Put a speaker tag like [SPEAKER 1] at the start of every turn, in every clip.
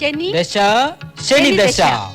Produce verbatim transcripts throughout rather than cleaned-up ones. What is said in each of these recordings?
[SPEAKER 1] ശനി
[SPEAKER 2] ദശ ശനി ദശ.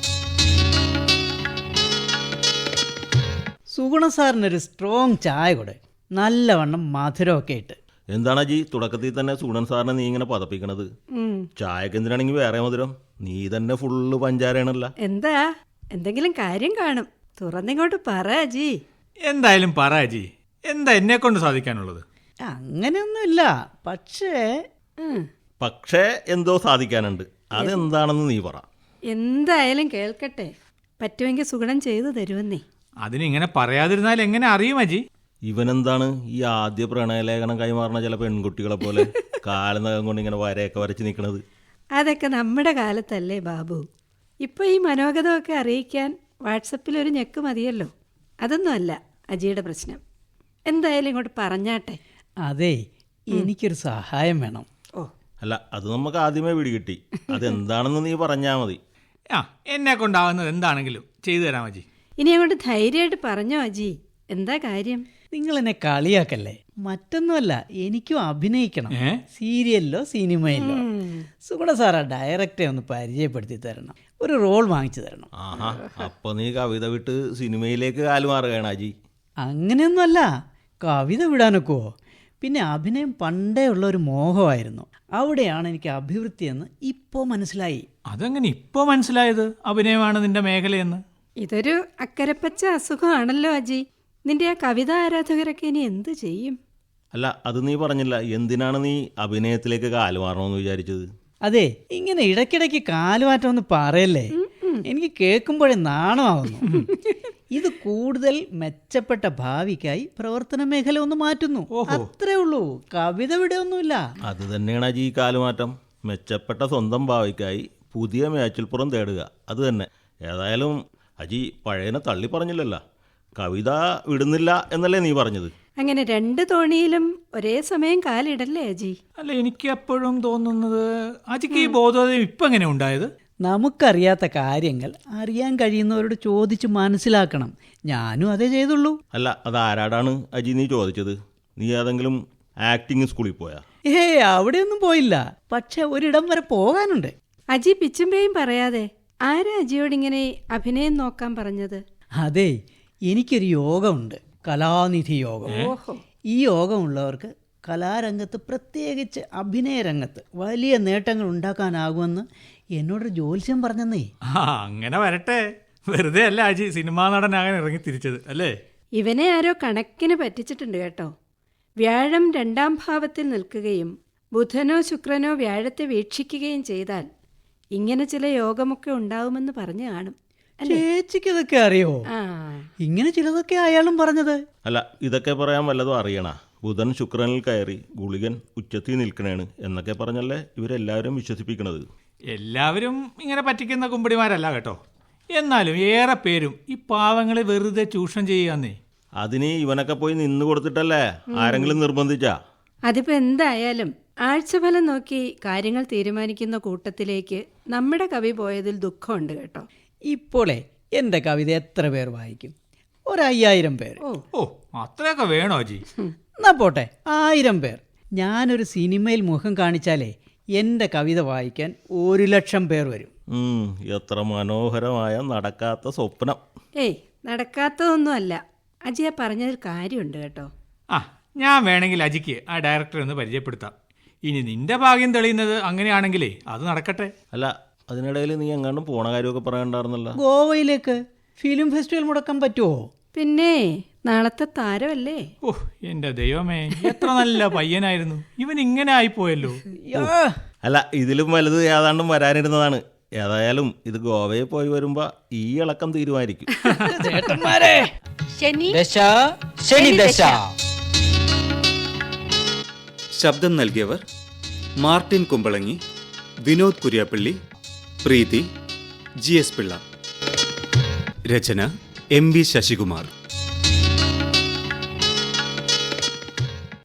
[SPEAKER 3] സുഗുണ സാറിനൊരു സ്ട്രോങ് ചായ കൂടെ, നല്ലവണ്ണം മധുരമൊക്കെ ഇട്ട്.
[SPEAKER 4] എന്താണ് അജി തുടക്കത്തിൽ തന്നെ സുഗുണൻ സാറിനെ നീ ഇങ്ങനെ പതപ്പിക്കണത്? ചായക്ക് എന്തിനാണെങ്കിൽ വേറെ മധുരം, നീ തന്നെ ഫുള്ള് പഞ്ചാരയാണല്ല.
[SPEAKER 1] എന്താ എന്തെങ്കിലും കാര്യം കാണും, തുറന്നിങ്ങോട്ട് പറ അജി.
[SPEAKER 5] എന്തായാലും പറ അജി, എന്താ എന്നെ കൊണ്ട് സാധിക്കാനുള്ളത്?
[SPEAKER 3] അങ്ങനെയൊന്നുമില്ല, പക്ഷേ
[SPEAKER 1] ഉം.
[SPEAKER 4] പക്ഷേ എന്തോ സാധിക്കാനുണ്ട്, അതെന്താണെന്ന് നീ പറ.
[SPEAKER 1] എന്തായാലും കേൾക്കട്ടെ, പറ്റുമെങ്കിൽ സുഗുണം ചെയ്തു തരുമെന്നേ.
[SPEAKER 5] അതിനിങ്ങനെ പറയാതിരുന്നാൽ എങ്ങനെ അറിയും അജി?
[SPEAKER 4] ഇവനെന്താണ് ഈ ആദ്യ പ്രണയലേഖനം കൈമാറുന്ന ചില പെൺകുട്ടികളെ പോലെ കാലനകം കൊണ്ട് ഇങ്ങനെ വരയൊക്കെ വരച്ച് നിൽക്കണത്?
[SPEAKER 1] അതൊക്കെ നമ്മുടെ കാലത്തല്ലേ ബാബു. ഇപ്പോൾ ഈ മനോഗതമൊക്കെ അറിയിക്കാൻ വാട്സപ്പിൽ ഒരു ഞെക്ക് മതിയല്ലോ. അതൊന്നുമല്ല അജിയുടെ പ്രശ്നം. എന്തായാലും ഇങ്ങോട്ട് പറഞ്ഞാട്ടെ.
[SPEAKER 3] അതെ, എനിക്കൊരു സഹായം വേണം.
[SPEAKER 1] ഓ,
[SPEAKER 4] അല്ല, അത് നമുക്ക് ആദ്യമേ പിടികിട്ടി, അതെന്താണെന്ന് നീ പറഞ്ഞാൽ മതി.
[SPEAKER 5] ആ, എന്നെ കൊണ്ടാവുന്നത് എന്താണെങ്കിലും ചെയ്തു തരാം അജി.
[SPEAKER 1] ഇനി അങ്ങോട്ട് ധൈര്യമായിട്ട് പറഞ്ഞോ അജി, എന്താ കാര്യം?
[SPEAKER 3] നിങ്ങൾ എന്നെ കളിയാക്കല്ലേ, മറ്റൊന്നുമല്ല, എനിക്കും അഭിനയിക്കണം.
[SPEAKER 5] ഏ?
[SPEAKER 3] സീരിയലിലോ സിനിമയിലോ. സുഗുണ സാറാ ഡയറക്ടറെ ഒന്ന് പരിചയപ്പെടുത്തി തരണം, ഒരു റോൾ വാങ്ങിച്ചു തരണം.
[SPEAKER 4] ആഹാ, അപ്പൊ നീ കവിത വിട്ട് സിനിമയിലേക്ക് കാലുമാറുകയാണ് അജി.
[SPEAKER 3] അങ്ങനെയൊന്നുമല്ല, കവിത വിടാനൊക്കുവോ? പിന്നെ അഭിനയം പണ്ടേ ഉള്ള ഒരു മോഹമായിരുന്നു, അവിടെയാണ് എനിക്ക് അഭിവൃദ്ധി എന്ന് ഇപ്പോൾ മനസ്സിലായി.
[SPEAKER 5] അതെങ്ങനെ ഇപ്പോൾ മനസ്സിലായത് അഭിനയമാണ് നിന്റെ മേഖലയെന്ന്?
[SPEAKER 1] ഇതൊരു അക്കരപ്പച്ച അസുഖമാണല്ലോ അജി. നിന്റെ ആ കവിതാ ആരാധകരൊക്കെ ഇനി എന്ത് ചെയ്യും?
[SPEAKER 4] അല്ല, അത് നീ പറഞ്ഞില്ല, എന്തിനാണ് നീ അഭിനയത്തിലേക്ക് കാലുമാറണമെന്ന് വിചാരിച്ചത്?
[SPEAKER 3] അതെ, ഇങ്ങനെ ഇടയ്ക്കിടയ്ക്ക് കാലുമാറ്റം ഒന്ന് പറയല്ലേ, എനിക്ക് കേൾക്കുമ്പോഴേ നാണമാവുന്നു. ഇത് കൂടുതൽ മെച്ചപ്പെട്ട ഭാവിക്കായി പ്രവർത്തന മേഖല ഒന്ന് മാറ്റുന്നു, അത്രേ ഉള്ളൂ. കവിത ഇവിടെ ഒന്നുമില്ല.
[SPEAKER 4] അത് തന്നെയാണ് അജി ഈ കാലുമാറ്റം, മെച്ചപ്പെട്ട സ്വന്തം ഭാവിക്കായി പുതിയ മേച്ചിൽപ്പുറം തേടുക, അത് തന്നെ. ഏതായാലും അജി പഴയനെ തള്ളി പറഞ്ഞില്ലല്ലോ, കവിത വിടുന്നില്ല എന്നല്ലേ നീ പറഞ്ഞത്?
[SPEAKER 1] അങ്ങനെ രണ്ട് തോണിയിലും ഒരേ സമയം കാലിടല്ലേ അജി?
[SPEAKER 5] അല്ല, എനിക്ക് എപ്പോഴും തോന്നുന്നത് അജിക്ക് ഈ ബോധോദയം ഇപ്പം എങ്ങനെ ഉണ്ടായത്?
[SPEAKER 3] നമുക്കറിയാത്ത കാര്യങ്ങൾ അറിയാൻ കഴിയുന്നവരോട് ചോദിച്ച് മനസ്സിലാക്കണം. ഞാനും അതേ ചെയ്തുള്ളൂ.
[SPEAKER 4] അല്ല, അത് ആരാടാണ് അജി നീ ചോദിച്ചത്? നീ ഏതെങ്കിലും ആക്ടിങ് സ്കൂളിൽ പോയാ?
[SPEAKER 3] ഏ അവിടെയൊന്നും പോയില്ല, പക്ഷെ ഒരിടം വരെ പോകാനുണ്ട്.
[SPEAKER 1] അജി പിച്ചുമ്പേയും പറയാതെ ആരാ അജിയോടിങ്ങനെ അഭിനയം നോക്കാൻ പറഞ്ഞത്?
[SPEAKER 3] അതെ, എനിക്കൊരു യോഗമുണ്ട്, കലാനിധി യോഗം.
[SPEAKER 1] ഓഹോ.
[SPEAKER 3] ഈ യോഗമുള്ളവർക്ക് കലാരംഗത്ത്, പ്രത്യേകിച്ച് അഭിനയ രംഗത്ത് വലിയ നേട്ടങ്ങൾ ഉണ്ടാക്കാനാകുമെന്ന് എന്നോടൊരു ജ്യോത്സ്യം പറഞ്ഞെന്നേ.
[SPEAKER 5] ആ, അങ്ങനെ വരട്ടെ. വെറുതെ അല്ല അജി സിനിമാ നടനാകാൻ ഇറങ്ങി തിരിച്ചത് അല്ലേ?
[SPEAKER 1] ഇവനെ ആരോ കണക്കിന് പറ്റിച്ചിട്ടുണ്ട് കേട്ടോ. വ്യാഴം രണ്ടാം ഭാവത്തിൽ നിൽക്കുകയും ബുധനോ ശുക്രനോ വ്യാഴത്തെ വീക്ഷിക്കുകയും ചെയ്താൽ ഇങ്ങനെ ചില യോഗമൊക്കെ ഉണ്ടാവുമെന്ന് പറഞ്ഞു കാണും.
[SPEAKER 3] ചേച്ചിക്ക് ഇതൊക്കെ അറിയോ?
[SPEAKER 1] ആ,
[SPEAKER 3] ഇങ്ങനെ ചിലതൊക്കെ അയാളും പറഞ്ഞത്.
[SPEAKER 4] അല്ല, ഇതൊക്കെ പറയാൻ വല്ലതും അറിയണ? ബുധൻ ശുക്രനിൽ കയറി ഗുളികൻ ഉച്ചത്തിൽ നിൽക്കണേണ് എന്നൊക്കെ പറഞ്ഞല്ലേ ഇവരെല്ലാവരും വിശ്വസിപ്പിക്കണത്.
[SPEAKER 5] എല്ലാവരും ഇങ്ങനെ പറ്റിക്കുന്ന കുമ്പടിമാരല്ല കേട്ടോ. എന്നാലും ഏറെ പേരും ഈ പാവങ്ങളെ വെറുതെ ചൂഷണം ചെയ്യാന്നേ.
[SPEAKER 4] അതിന് ഇവനൊക്കെ പോയി നിന്ന് കൊടുത്തിട്ടല്ലേ ആരെങ്കിലും നിർബന്ധിച്ചാ?
[SPEAKER 1] അതിപ്പോ എന്തായാലും ആഴ്ചഫലം നോക്കി കാര്യങ്ങൾ തീരുമാനിക്കുന്ന കൂട്ടത്തിലേക്ക് നമ്മുടെ കവി പോയതിൽ ദുഃഖമുണ്ട് കേട്ടോ.
[SPEAKER 3] ഇപ്പോളെ എൻ്റെ കവിത എത്ര പേർ വായിക്കും? ഒരയ്യായിരം പേര്.
[SPEAKER 1] ഓ
[SPEAKER 5] ഓ, അത്രയൊക്കെ വേണോ അജി?
[SPEAKER 3] എന്നാ പോട്ടെ, ആയിരം പേർ. ഞാനൊരു സിനിമയിൽ മുഖം കാണിച്ചാലേ എൻ്റെ കവിത വായിക്കാൻ ഒരു ലക്ഷം പേർ വരും.
[SPEAKER 4] ഉം, എത്ര മനോഹരമായ നടക്കാത്ത സ്വപ്നം.
[SPEAKER 1] ഏയ്, നടക്കാത്തതൊന്നുമല്ല. അജിയെ പറഞ്ഞതിൽ കാര്യമുണ്ട് കേട്ടോ.
[SPEAKER 5] ആ, ഞാൻ വേണമെങ്കിൽ അജിക്ക് ആ ഡയറക്ടറെ ഒന്ന് പരിചയപ്പെടുത്താം. ഇനി നിന്റെ ഭാഗ്യം തെളിയുന്നത് അങ്ങനെയാണെങ്കിലേ അത് നടക്കട്ടെ.
[SPEAKER 4] അല്ല, അതിനിടയിൽ നീ എങ്ങാണ്ടും പോണ കാര്യമൊക്കെ പറയണ്ടായിരുന്നല്ലോ.
[SPEAKER 3] ഗോവയിലേക്ക് ഫിലിം ഫെസ്റ്റിവൽ മുടക്കാൻ പറ്റുമോ?
[SPEAKER 1] പിന്നെ നാളത്തെ താരമല്ലേ.
[SPEAKER 5] ഓ, എന്റെ ദൈവമേ, എത്ര നല്ല പയ്യനായിരുന്നു ഇവൻ, ഇങ്ങനെ ആയിപ്പോയല്ലോ.
[SPEAKER 3] യാ,
[SPEAKER 4] അല്ല, ഇതിലും വലുത് ഏതാണ്ടും വരാനിരുന്നതാണ്. ഏതായാലും ഇത് ഗോവയിൽ പോയി വരുമ്പോ ഈ ഇളക്കം തീരുമാനിക്കും.
[SPEAKER 3] ചേട്ടന്മാരെ,
[SPEAKER 1] ശനി
[SPEAKER 2] ദശ ശനി ദശ.
[SPEAKER 6] ശബ്ദം നൽകിയവർ മാർട്ടിൻ കുമ്പളങ്ങി, വിനോദ് കുര്യാപ്പള്ളി, പ്രീതി, ജി എസ് പിള്ള. രചന എം വി ശശികുമാർ.